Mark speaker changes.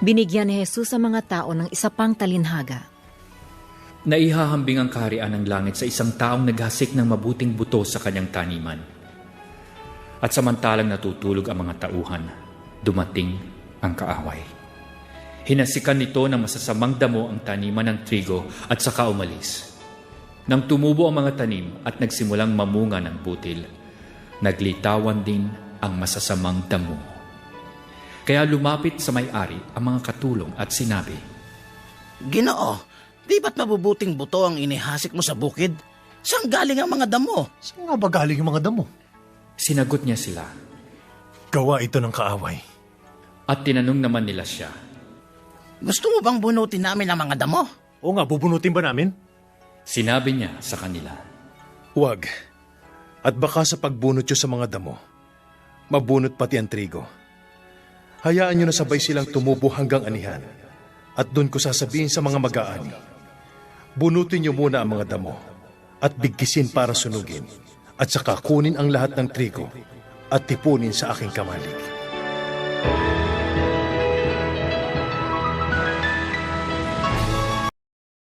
Speaker 1: Binigyan ni Jesus ang mga tao ng isa pang talinhaga.
Speaker 2: Naihahambing ang kaharian ng langit sa isang taong naghasik ng mabuting buto sa kanyang taniman. At samantalang natutulog ang mga tauhan, dumating ang kaaway. Hinasikan nito ng masasamang damo ang taniman ng trigo at saka umalis. Nang tumubo ang mga tanim at nagsimulang mamunga ng butil, naglitawan din ang masasamang damo. Kaya lumapit sa may-ari ang mga katulong at sinabi,
Speaker 3: Ginoo, di ba't mabubuting buto ang inihasik mo sa bukid? Saan galing ang mga damo?
Speaker 4: Saan nga ba galing yung mga damo?
Speaker 2: Sinagot niya sila.
Speaker 4: Gawa ito ng kaaway.
Speaker 2: At tinanong naman nila siya,
Speaker 3: Gusto mo bang bunutin namin ang mga damo?
Speaker 4: O nga, bubunutin ba namin?
Speaker 2: Sinabi niya sa kanila,
Speaker 5: Huwag. At baka sa pagbunot nyo sa mga damo, mabunot pati ang trigo. Hayaan nyo na sabay silang tumubo hanggang anihan. At doon ko sasabihin sa mga mag-aani, bunutin nyo muna ang mga damo at bigkisin para sunugin at saka kunin ang lahat ng trigo at tipunin sa aking kamalig.